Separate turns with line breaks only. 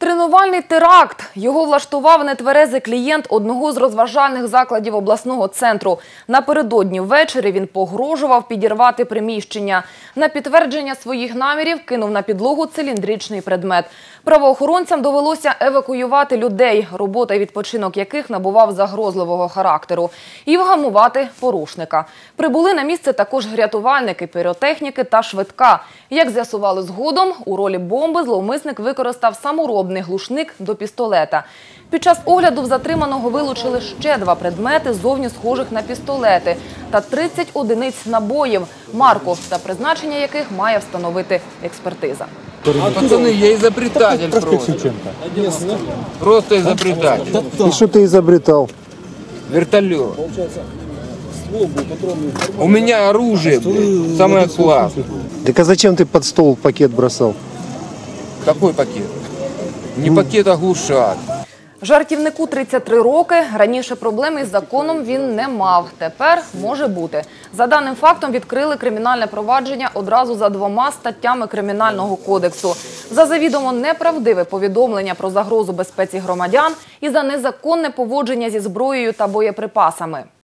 Тренувальний теракт. Його влаштував нетверезий клієнт одного з розважальних закладів обласного центру. Напередодні ввечері він погрожував підірвати приміщення. На підтвердження своїх намірів кинув на підлогу циліндричний предмет. Правоохоронцям довелося евакуювати людей, робота і відпочинок яких набував загрозливого характеру, і вгамувати порушника. Прибули на місце також рятувальники, піротехніки та швидка. Як з'ясували згодом, у ролі бомби зловмисник використав саморобний глушник до пістолета. Під час огляду в затриманого вилучили ще 2 предмети, зовні схожих на пістолети, та 30 одиниць набоїв, марку та призначення яких має встановити експертиза.
Пацаны, я изобретатель просто. Просто изобретатель.
И что ты изобретал?
Вертолет. У меня оружие, самое классное.
Так а зачем ты под стол пакет бросал?
Какой пакет? Не пакет, а глушак.
Жартівнику 33 роки. Раніше проблеми із законом він не мав. Тепер може бути. За даним фактом відкрили кримінальне провадження одразу за 2 статтями Кримінального кодексу. За завідомо неправдиве повідомлення про загрозу безпеці громадян і за незаконне поводження зі зброєю та боєприпасами.